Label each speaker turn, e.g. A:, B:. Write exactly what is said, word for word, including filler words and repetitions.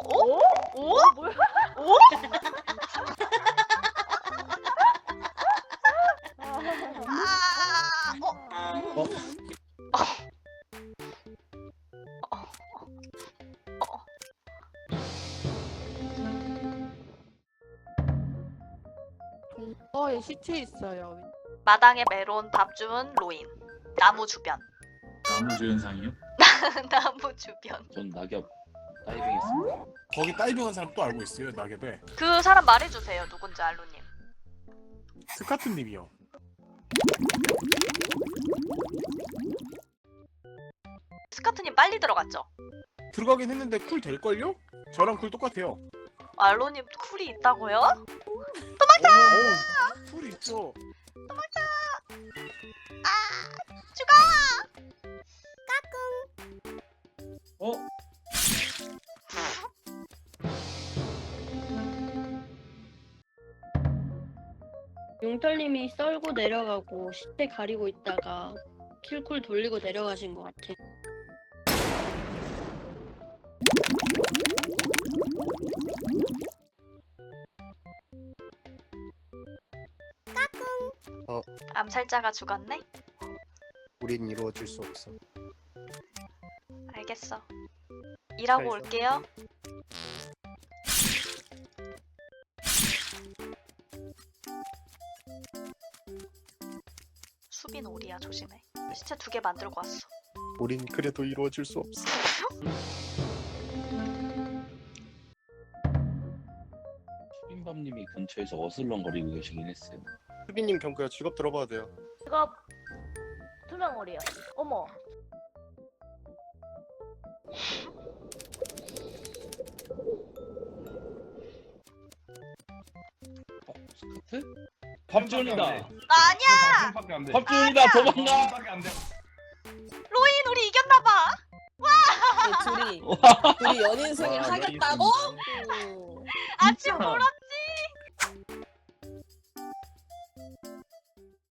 A: 오? 오?
B: 뭐야?
A: 오? 아, 어?
C: 어?
B: 동거에 시체 있어요.
A: 마당에 메론, 밥 주문, 로인. 나무 주변.
C: 나무 조연상이요?
A: 나무 주변.
D: 전 낙엽 다이빙 했습니다.
E: 거기 다이빙한 사람 또 알고 있어요, 낙엽에.
A: 그 사람 말해주세요. 누군지 알루님.
E: 스카트님이요.
A: 스카트님 빨리 들어갔죠?
E: 들어가긴 했는데 쿨 될걸요? 저랑 쿨 똑같아요.
A: 알루님 쿨이 있다고요?
E: 도망쳐! 쿨 있죠.
C: 어?
F: 용털님이 썰고 내려가고 시체 가리고 있다가 킬쿨 돌리고 내려가신 것 같아.
A: 암살자가 죽었네?
G: 우린 이루어질 수 없어.
A: 알겠어. 일하고
G: 잘
A: 올게요. 수빈 오리야 조심해. 시체 두 개 만들고 왔어.
G: 우린 그래도 이루어질 수 없어.
D: 수빈밤님이 근처에서 어슬렁거리고 계시긴 했어요.
G: 수빈님 경크야 직업 들어봐도 돼요.
B: 직업 투명오리요. 어머.
D: 어? 스카트? 밥준이다!
A: 아니야!
D: 밥준이다! 도망가!
A: 로인 우리 이겼나봐.
B: 둘이 둘이 연인 승인
G: 와,
B: 하겠다고? 오.
A: 아침 보라